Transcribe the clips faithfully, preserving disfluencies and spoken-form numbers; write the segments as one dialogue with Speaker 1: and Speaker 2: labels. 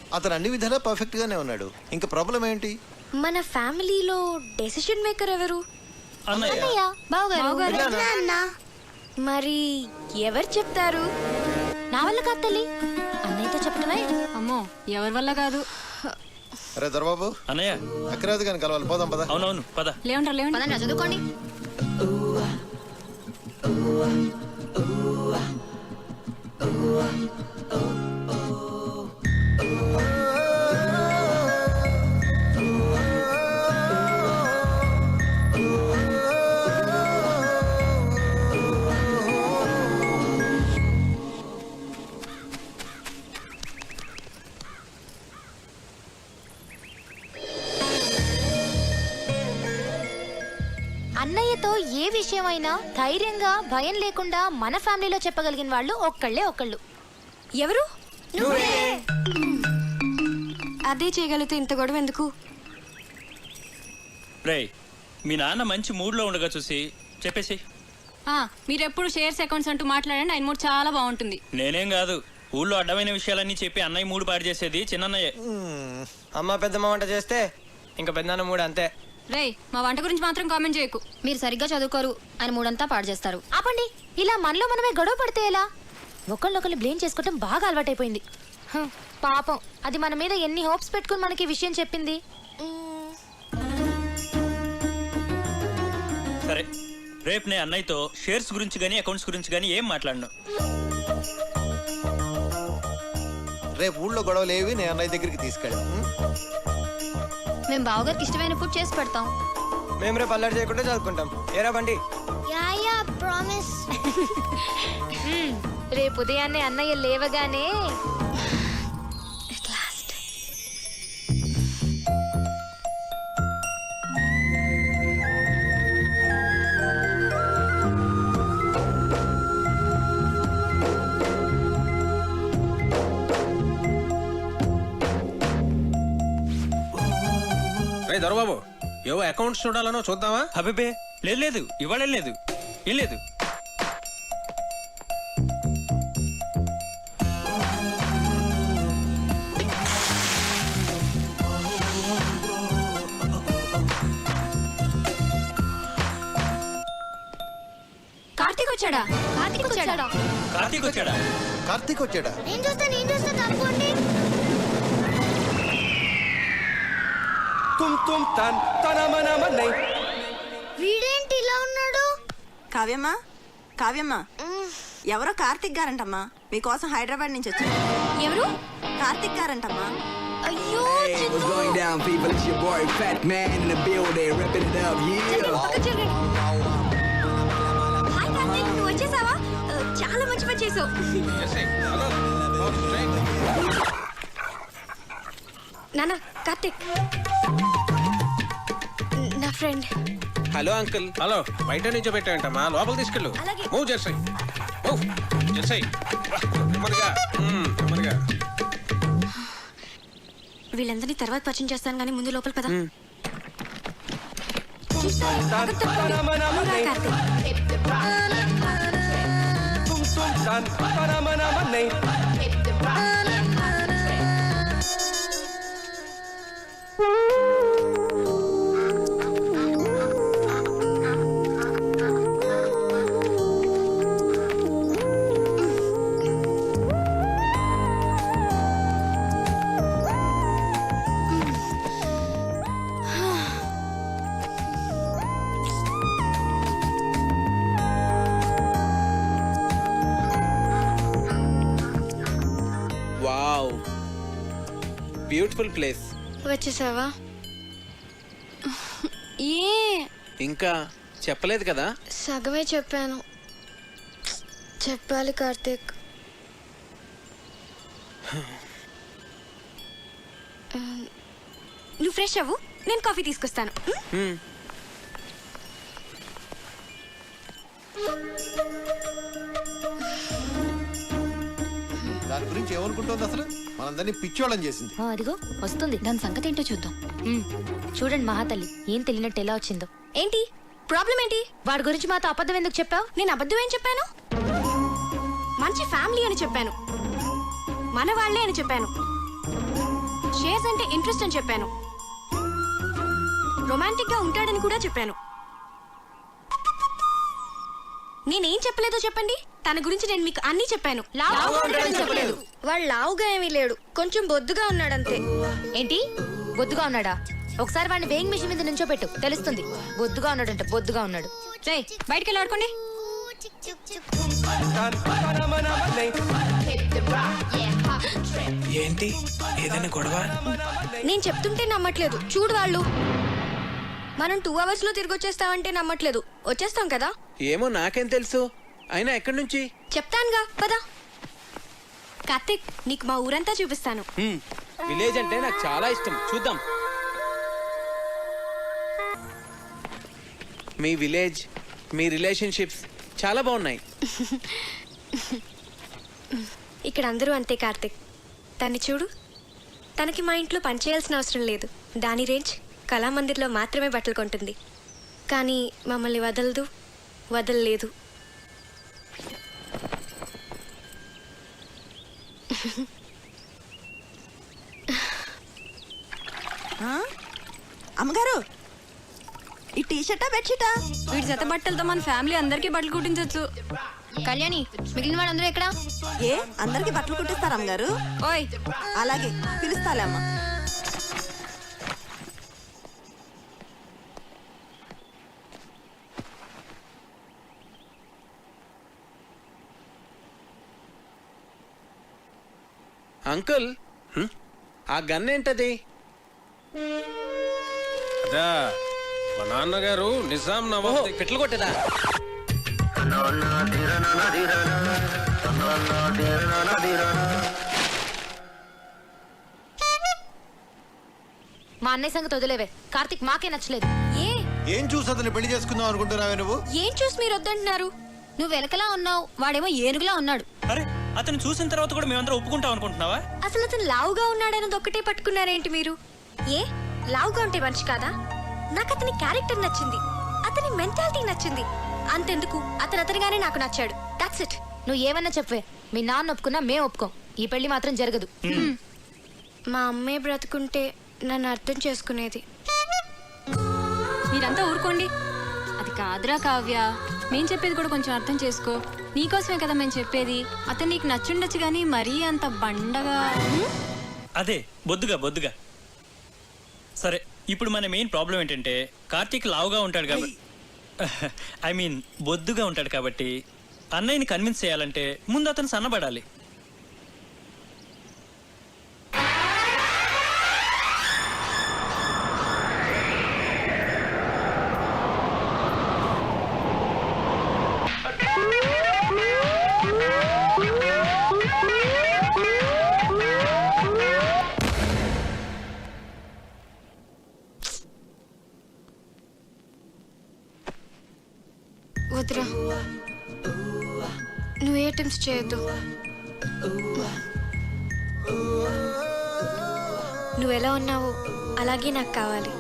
Speaker 1: అతను అన్ని విధాలా పర్ఫెక్ట్ గానే ఉన్నాడు. ఇంకా ప్రాబ్లం ఏంటి?
Speaker 2: మన ఫ్యామిలీలో డెసిషన్ మేకర్ ఎవరు?
Speaker 3: అన్నయ్య.
Speaker 2: బావగారు. మరి ఎవరు చెప్తారు?
Speaker 4: నా వల్ల కాదు తల్లి, అన్నయ్యతో చెప్పటమే.
Speaker 5: అమ్మో ఎవరి వల్ల కాదు.
Speaker 1: అరే దొరబాబు,
Speaker 3: అన్నయ్య.
Speaker 1: అక్కరాదు కానీ కలవాలి, పోదాం పద.
Speaker 3: అవునవును పద.
Speaker 5: లేవంటారు లేవండి,
Speaker 4: చదువుకోండి. అన్నయ్యతో ఏ విషయమైనా ధైర్యంగా భయం లేకుండా మన ఫ్యామిలీలో చెప్పగలిగిన వాళ్ళు ఒక్కళ్ళే ఒక్కళ్ళు.
Speaker 2: ఎవరు? అదే చేయగలిగితే ఇంత గొడవ ఎందుకు?
Speaker 3: రే, మీ నాన్న మంచి మూడ్లో ఉండగా చూసి చెప్పేసి.
Speaker 5: మీరు ఎప్పుడు షేర్స్ అకౌంట్స్ అంటూ మాట్లాడండి, ఆయన మూడు చాలా బాగుంటుంది.
Speaker 3: నేనేం కాదు, ఊళ్ళో అడ్డమైన విషయాలన్నీ చెప్పి అన్నయ్య మూడు పాడు చేసేది చిన్నయ్యే.
Speaker 6: అమ్మ పెద్దమ్మ వంట చేస్తే ఇంకా పెద్దన్న మూడు అంతే.
Speaker 5: రే, మా వంట గురించి మాత్రం కామెంట్ చేయకు.
Speaker 4: మీరు సరిగ్గా చదువుకోరు, ఆయన మూడంతా పాడు చేస్తారు.
Speaker 2: ఆపండి, ఇలా మనలో మనమే గొడవ పడితే ఎలా? ఒకళ్ళొకళ్ళు బ్లేమ్ చేసుకోవటం బాగా అలవాటైపోయింది.
Speaker 4: హ, పాపం అది మన మీద ఎన్ని హోప్స్ పెట్టుకుని మనకి ఈ విషయం చెప్పింది.
Speaker 3: సరే, రేపు నేను అన్నయ్యతో షేర్స్ గురించి కానీ అకౌంట్స్ గురించి కానీ ఏం మాట్లాడను.
Speaker 1: రేపు ఊళ్ళో గొడవలు ఏవి నేను అన్నయ్య దగ్గరికి తీసుకెళ్ళాం.
Speaker 4: మేము బావగారికి ఇష్టమైన ఫుడ్ చేసి పెడతాం.
Speaker 6: మేము రేపు అల్లరి చేయకుండా చదువుకుంటాం. ఏరా బండి.
Speaker 4: రేపు ఉదయాన్నే అన్నయ్య లేవగానే
Speaker 7: దొరబాబు, ఏవో అకౌంట్స్ చూడాలనో చూద్దామా?
Speaker 3: అబ్బే లేదు లేదు, ఇవాళ లేదు, ఏం లేదు.
Speaker 2: కార్తీక్ వచ్చాడా?
Speaker 4: కార్తీక్ వచ్చాడా?
Speaker 3: కార్తీక్ వచ్చాడా?
Speaker 1: కార్తీక్ వచ్చాడా?
Speaker 2: నేను చూస్తా నేను చూస్తా తప్పండి.
Speaker 6: తుమ్ తుమ్ తన్ తనమనమనై.
Speaker 2: వీడేంటి ఇలా ఉన్నాడు?
Speaker 8: కావ్యమ్మా, కావ్యమ్మా, ఎవరో కార్తిక్ గారంటమ్మా, మీకోసం హైదరాబాద్ నుంచి వచ్చారు.
Speaker 2: ఎవరు?
Speaker 8: కార్తిక్ గారంటమ్మా.
Speaker 2: అయ్యో,
Speaker 9: Hey, what's going down, people? It's your boy, Fat Man, in the building, ripping it up, yeah.
Speaker 2: Hi Karthik, నువ్వు వచ్చేసావా? చాలా మంచి పని చేసావు. నాన్న, కార్తీక్ నా ఫ్రెండ్.
Speaker 7: Hello uncle. హలో, బయట నుంచి పెట్టాయంటమ్మా, లోపల తీసుకెళ్ళు.
Speaker 2: అలాగే.
Speaker 7: మూవ్ చేసాయి, మూవ్ చేసాయి. నెమ్మదిగా, నెమ్మదిగా.
Speaker 2: వీళ్ళందరినీ తర్వాత పరిచయం చేస్తాను కానీ ముందు లోపల పద.
Speaker 6: తనమనమనై. తుమ్ తుమ్ తన్ తనమనమనై.
Speaker 7: Wow, beautiful place.
Speaker 2: వచ్చేసావా? ఏ
Speaker 7: ఇంకా చెప్పలేదు కదా?
Speaker 2: సగమే చెప్పాను. చెప్పాలి కార్తీక్. నువ్వు ఫ్రెష్ అవ్వు, నేను కాఫీ తీసుకొస్తాను.
Speaker 1: దాని గురించి ఏమనుకుంటుంది అసలు? మనందరినీ పిచ్చోళ్ళని చేసింది.
Speaker 4: ఆ, అదిగో వస్తుంది, దాని సంగతి ఏంటో చూద్దాం. ఉమ్, చూడండి మహాతల్లి ఏం తెలియనట్టు ఎలా వచ్చిందో.
Speaker 2: ఏంటి ప్రాబ్లం ఏంటి?
Speaker 4: వాడి గురించి మాతో అబద్ధం ఎందుకు చెప్పావు?
Speaker 2: నేను అబద్ధం ఏం చెప్పాను? మంచి ఫ్యామిలీ అని చెప్పాను, మన వాళ్ళే అని చెప్పాను.
Speaker 5: షేర్స్ అంటే ఇంట్రెస్ట్ అని చెప్పాను. రొమాంటిక్ గా ఉంటాడని కూడా చెప్పాను. నేనేం చెప్పలేదో చెప్పండి. తన గురించి నేను మీకు అన్ని చెప్పాను. లావుగా ఉంటాడని చెప్పలేదు.
Speaker 4: వాడు లావుగా ఏమీ లేడు, కొంచెం బొద్దుగా ఉన్నాడంతే.
Speaker 2: ఏంటి బొద్దుగా ఉన్నాడా? ఒకసారి వాడిని వేయింగ్ మిషన్ మీద నుంచోపెట్టు, తెలుస్తుంది. బొద్దుగా ఉన్నాడంట, బొద్దుగా ఉన్నాడు.
Speaker 5: రేయ్, బయటికి వెళ్ళి ఆడుకోండి.
Speaker 7: ఏంటి ఏదైనా గొడవ?
Speaker 4: నేను చెప్తుంటే నమ్మట్లేదు, చూడు వాళ్ళు. మనం టూ అవర్స్ లో తిరిగి వచ్చేస్తామంటే నమ్మట్లేదు. వచ్చేస్తాం కదా?
Speaker 7: ఏమో నాకేం తెలుసు. అయినా ఎక్కడి నుంచి?
Speaker 4: చెప్తానుగా పదా.
Speaker 5: కార్తిక్, నీకు మా ఊరంతా చూపిస్తాను.
Speaker 7: హ్మ్, విలేజ్ అంటే నాకు చాలా ఇష్టం. చూద్దాం. మీ విలేజ్, మీ రిలేషన్షిప్స్ చాలా బాగున్నాయి.
Speaker 4: ఇక్కడ అందరూ అంతే కార్తిక్. తన్ని చూడు, తనకి మా ఇంట్లో పనిచేయాల్సిన అవసరం లేదు. దాని రేంజ్ కళామందిర్లో మాత్రమే బట్టలు కొంటుంది, కానీ మమ్మల్ని వదలదు, వదలలేదు.
Speaker 8: ఆ? అమ్మగారు, ఈ టీ షర్టా బెడ్షీటా?
Speaker 5: వీడి జత బట్టలతో మన ఫ్యామిలీ అందరికీ బట్టలు కుట్టించవచ్చు.
Speaker 2: కళ్యాణి, మిగిలిన వాళ్ళందరూ ఎక్కడా?
Speaker 8: ఏ అందరికి బట్టలు కుట్టిస్తారా అమ్మగారు?
Speaker 5: ఓయ్,
Speaker 8: అలాగే పిలుస్తాలే అమ్మ.
Speaker 7: అంకుల్, ఆ గన్ ఏంటది?
Speaker 10: అదా మా నాన్నగారు నిజాం
Speaker 7: ఓహో,
Speaker 10: నవాబ్
Speaker 7: పిట్లు కొట్టేదా?
Speaker 2: మా అన్నయ్య సంగతి వదిలేవే. కార్తిక్ మాకే నచ్చలేదు.
Speaker 5: ఏ
Speaker 1: ఏం చూసి అతను పెళ్లి చేసుకుందాం అనుకుంటున్నావే నువ్వు?
Speaker 5: ఏం చూసి మీరు వద్దంటున్నారు? నువ్వు వెనకలా ఉన్నావు, వాడేమో ఏనుగులా ఉన్నాడు.
Speaker 3: అరే, అతను చూసిన తర్వాత కూడా మేమందరం ఒప్పుకుంటాం అనుకుంటున్నావా?
Speaker 4: అసలు అతను లావుగా ఉన్నాడన్నది ఒక్కటే పట్టుకున్నారేంటి మీరు? ఏ లావుగా ఉంటే మనిషి కాదా? నాకు అతని క్యారెక్టర్ నచ్చింది, అతని మెంటాలిటీ నచ్చింది. అంతెందుకు, అతను అతనిగానే నాకు నచ్చాడు. That's it.
Speaker 2: నువ్వు ఏమన్నా చెప్పవే, మీ నాన్న ఒప్పుకున్నా మేము ఒప్పుకోం. ఈ పెళ్లి మాత్రం జరగదు.
Speaker 4: మా అమ్మే బ్రతుకుంటే నన్ను అర్థం చేసుకునేది.
Speaker 5: మీరంతా ఊరుకోండి. అది కాదురా కావ్య, మేం చెప్పేది కూడా కొంచెం అర్థం చేసుకో. నీకోసమే కదా మేము చెప్పేది. అతను నీకు నచ్చుండొచ్చు కానీ మరీ అంత బండగా.
Speaker 3: అదే బొద్దుగా బొద్దుగా. సరే, ఇప్పుడు మన మెయిన్ ప్రాబ్లం ఏంటంటే కార్తీక్ లావుగా ఉంటాడు కాబట్టి, ఐ మీన్ బొద్దుగా ఉంటాడు కాబట్టి అన్నయ్యని కన్విన్స్ చేయాలంటే ముందు అతను సన్నబడాలి.
Speaker 4: వద్దురా, నువ్వు ఏ అటెంప్ట్స్ చేయొద్దు. నువ్వు ఎలా ఉన్నావో అలాగే నాకు కావాలి.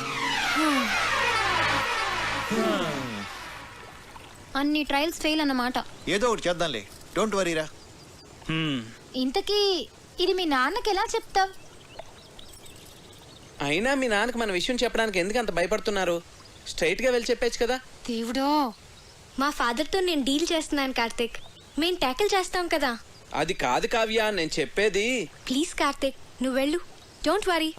Speaker 5: అన్ని ట్రయల్స్ ఫెయిల్ అన్నమాట.
Speaker 1: ఏదో ఒకటి చేద్దాంలే, డోంట్ వరీరా.
Speaker 3: హ్మ్.
Speaker 2: ఇంతకీ ఇది మీ నాన్నకి ఎలా చెప్తావ్?
Speaker 7: అయినా మీ నాన్నకి మన విషయం చెప్పడానికి ఎందుకు అంత భయపడుతున్నారు? స్ట్రైట్ గా వెళ్ళి చెప్పేచ్చు కదా.
Speaker 4: దేవుడో, మా ఫాదర్తో నేను డీల్ చేస్తున్నాను కార్తిక్. మేము ట్యాకిల్ చేస్తాం కదా.
Speaker 7: అది కాదు కావ్య, నేను చెప్పేది.
Speaker 4: ప్లీజ్ కార్తిక్, నువ్వు వెళ్ళు. Don't worry.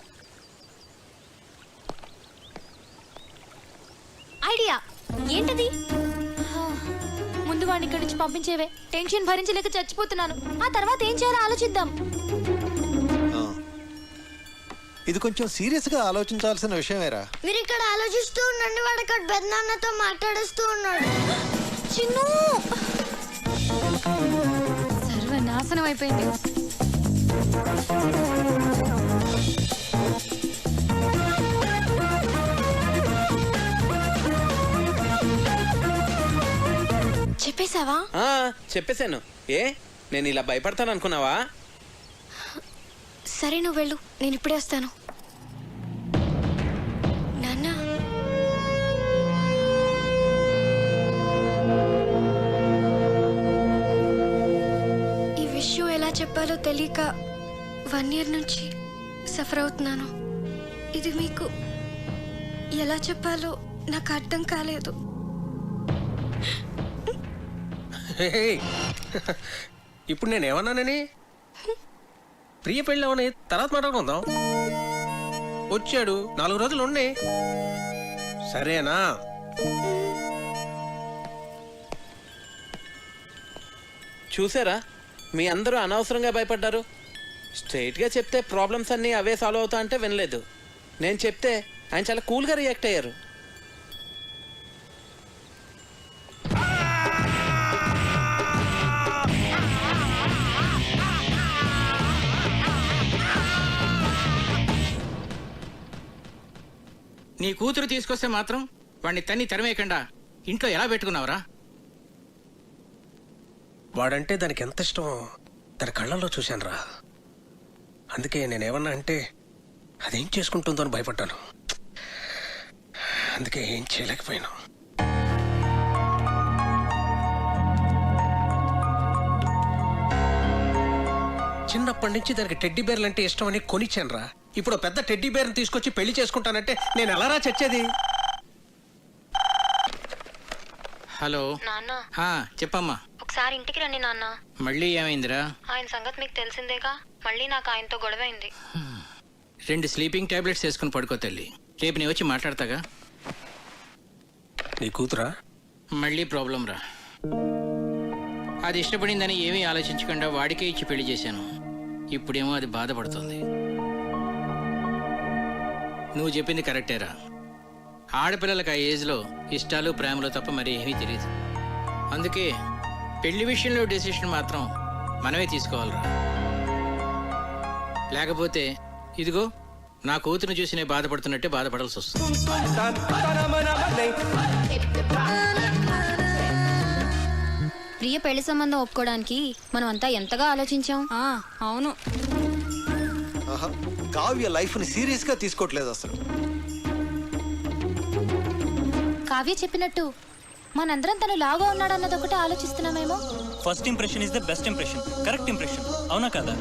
Speaker 2: ఐడియా
Speaker 4: ఏంటది?
Speaker 2: ముందు వాడిని ఇక్కడి నుంచి పంపించేవే. టెన్షన్ భరించలేక చచ్చిపోతున్నాను. ఆ తర్వాత ఏం చేయాలో ఆలోచిద్దాం.
Speaker 1: ఆ. ఇది కొంచెం సీరియస్ గా ఆలోచించాల్సిన విషయమేరా.
Speaker 4: మీరు ఇక్కడ ఆలోచిస్తూ ఉండండి, వాడు ఇక్కడ పెద్దనాన్నతో మాట్లాడుస్తూ ఉన్నాడు. చిన్ను,
Speaker 5: సర్వనాశనం అయిపోయింది.
Speaker 4: చెప్పేశావా?
Speaker 7: ఆ చెప్పేశాను. ఏ నేను ఇలా భయపడతాను అనుకున్నావా?
Speaker 4: సరే, నువ్వు వెళ్ళు, నేను ఇప్పుడే వస్తాను. నాన్న, ఈ విషయం ఎలా చెప్పాలో తెలియక వన్ ఇయర్ నుంచి సఫర్ అవుతున్నాను. ఇది మీకు ఎలా చెప్పాలో నాకు అర్థం కాలేదు.
Speaker 10: ఇప్పుడు నేను ఏమన్నానని ప్రియ పెళ్ళి అవని తర్వాత మాట్లాడుకుందాం. వచ్చాడు నాలుగు రోజులు ఉండి సరేనా?
Speaker 7: చూసారా, మీ అందరూ అనవసరంగా భయపడ్డారు. స్ట్రైట్గా చెప్తే ప్రాబ్లమ్స్ అన్నీ అవే సాల్వ్ అవుతా అంటే వినలేదు. నేను చెప్తే ఆయన చాలా కూల్గా రియాక్ట్ అయ్యారు.
Speaker 11: నీ కూతురు తీసుకొస్తే మాత్రం వాడిని తన్ని తరిమేయకుండా ఇంట్లో ఎలా పెట్టుకున్నావురా?
Speaker 10: వాడంటే దానికి ఎంత ఇష్టమో దాని కళ్ళల్లో చూశాను రా. అందుకే నేనేమన్నా అంటే అదేం చేసుకుంటుందో అని భయపడ్డాను. అందుకే ఏం చేయలేకపోయాను. చిన్నప్పటి నుంచి దానికి టెడ్డీ బేర్లు అంటే ఇష్టం అని కొనిచ్చాను రా. ఇప్పుడు పెద్ద టెడ్డీ బేర్ని తీసుకొచ్చి పెళ్లి చేసుకుంటానంటే నేను ఎలారా చచ్చేది?
Speaker 11: హలో
Speaker 2: నాన్న
Speaker 11: ఆ, చెప్పమ్మా.
Speaker 2: ఒకసారి ఇంటికి రండి నాన్న.
Speaker 11: మళ్ళీ ఏమైందిరా?
Speaker 2: ఆయన సంగతి మీకు తెలిసిందేగా. మళ్ళీ నాకు ఆయనతో గొడవైంది.
Speaker 11: రెండు స్లీపింగ్ టాబ్లెట్స్ వేసుకుని పడుకో తల్లి. రేపు నేను వచ్చి మాట్లాడతాగా.
Speaker 10: నీ కూతురా?
Speaker 11: మళ్ళీ ప్రాబ్లం రా. అది ఇష్టపడిందని ఏమీ ఆలోచించకుండా వాడికే ఇచ్చి పెళ్లి చేశాను. ఇప్పుడేమో అది బాధపడుతుంది. నువ్వు చెప్పింది కరెక్టేరా. ఆడపిల్లలకు ఆ ఏజ్లో ఇష్టాలు ప్రేమలు తప్ప మరి ఏమీ తెలియదు. అందుకే పెళ్లి విషయంలో డెసిషన్ మాత్రం మనమే తీసుకోవాలిరా. లేకపోతే ఇదిగో నా కూతురు చూసి నేను బాధపడుతున్నట్టే బాధపడాల్సి వస్తుంది.
Speaker 5: ప్రియ పెళ్లి సంబంధం ఒప్పుకోవడానికి మనం అంతా ఎంతగా ఆలోచించాం.
Speaker 2: ఆ, అవును.
Speaker 1: ఆహా, కావ్య లైఫ్ ని సీరియస్ గా తీసుకోవట్లేదు అసలు.
Speaker 2: కావ్య చెప్పినట్టు మనందరం తను లాగా ఉన్నాడన్నది ఒకటి ఆలోచిస్తున్నామేమో.
Speaker 3: First impression is the best impression. Correct impression. అవునా కదా?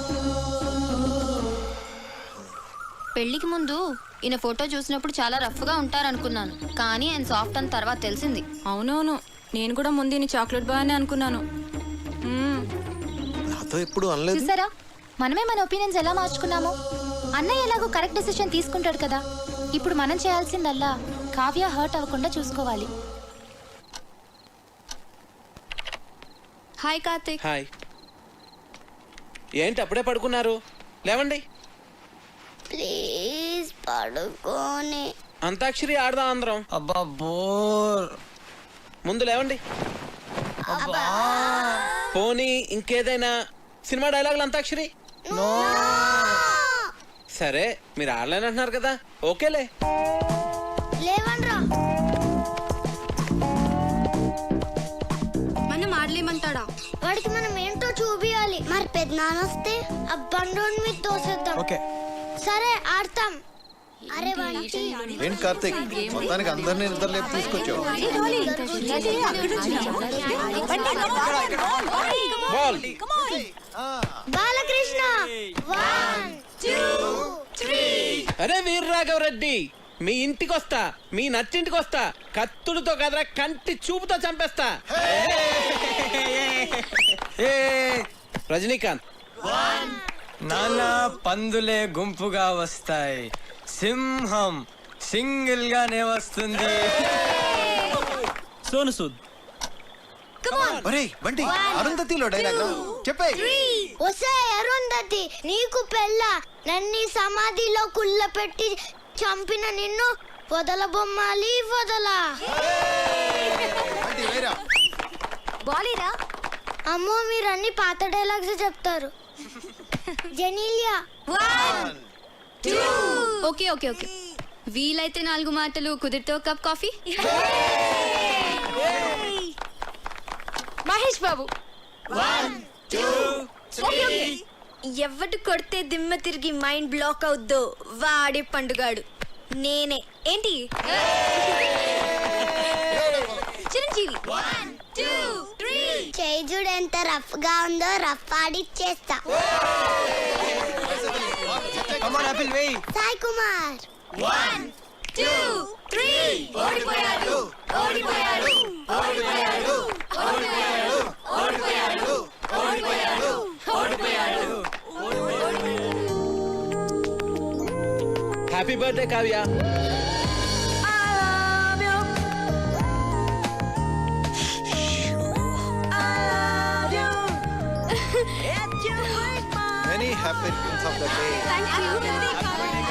Speaker 5: పెళ్లికి ముందు ఈయన ఫోటో చూసినప్పుడు చాలా రఫ్ గా ఉంటారనుకున్నాను, కానీ ఆయన సాఫ్ట్ అని తర్వాత తెలిసింది.
Speaker 2: అవునవును, నేను కూడా ముందు ఈయన చాక్లెట్ బాగానే అనుకున్నాను.
Speaker 1: నాతో ఎప్పుడు అనలేదు.
Speaker 2: చూసారా, మనమే మన ఒపీనియన్స్ ఎలా మార్చుకున్నామో. అన్నయ్య ఎలాగో కరెక్ట్ డెసిషన్ తీసుకుంటాడు కదా. ఇప్పుడు మనం చేయాల్సిందల్లా కావ్య హర్ట్ అవ్వకుండా చూసుకోవాలి.
Speaker 5: హాయ్ కార్తిక్.
Speaker 7: హాయ్. ఏంటి అప్పుడే పడుకున్నారు? లేవండి.
Speaker 4: ప్లీజ్ పడుకోని.
Speaker 7: అంతాక్షరి ఆడదాం అందరం.
Speaker 6: అబ్బా బోర్.
Speaker 7: ముందు లేవండి. పోనీ ఇంకేదైనా సినిమా డైలాగులు అంతాక్షరి? సరే, మీరు ఆడలేనంటున్నారు కదా, ఓకేలే.
Speaker 4: లేవన్రా. మనం ఆడలేమంటాడా? వాడికి మనం ఏంటో చూపియాలి. మరి పెద్దనాన్న వస్తే ఆ బండోని మీద తోసేద్దాం.
Speaker 1: ఓకే
Speaker 4: సరే ఆడతాం. అరే వాడికి
Speaker 1: ఏంటి కార్తీక్, మొత్తానికి అందరినీ నిద్ర లేపు తీసుకొచ్చావు.
Speaker 7: Ball.
Speaker 4: Balakrishna. One two three.
Speaker 7: అరే వీర్రాఘవరెడ్డి, మీ ఇంటికి వస్తా, మీ నచ్చింటికి వస్తా. కత్తులతో కదరా, కంటి చూపుతో చంపేస్తా. రజనీకాంత్.
Speaker 6: నాన్న పందులే గుంపుగా వస్తాయి, సింహం సింగిల్ గానే వస్తుంది.
Speaker 3: సోను సూద్.
Speaker 1: ఒరేయ్ బంటి, అరుంధతిలో డైలాగ్ చెప్పే.
Speaker 4: ఒసే అరుంధతి, నీకు పెళ్ళ నన్ని సమాధిలో కుళ్ళ పెట్టి చంపిన నిన్ను వదల బొమ్మాలి వదల.
Speaker 2: బాలీరా.
Speaker 4: అమ్మో, మీరు అన్ని పాత డైలాగ్స్ చెప్తారు. జెనీలియా.
Speaker 5: ఓకే ఓకే ఓకే వీలైతే నాలుగు మాటలు, కుదిరితే ఒక కప్ కాఫీ.
Speaker 2: మహేష్ బాబు.
Speaker 4: ఎవడు కొడితే దిమ్మ తిరిగి మైండ్ బ్లాక్ అవుద్దో వాడే పండుగాడు. నేనే. ఏంటి చిరంజీవి. చేజుడు ఎంత రఫ్ గా ఉందో రఫ్ ఆడిచ్చేస్తా.
Speaker 6: కమాన్ ఆపిల్ వేయి.
Speaker 2: Sai Kumar one two three ఓడిపోయాడు ఓడిపోయాడు ఓడిపోయాడు ఓడిపోయాడు ఓడిపోయాడు ఓడిపోయాడు ఓడిపోయాడు.
Speaker 7: Happy birthday Kavya.
Speaker 1: Many happy returns of the day.
Speaker 4: Thank you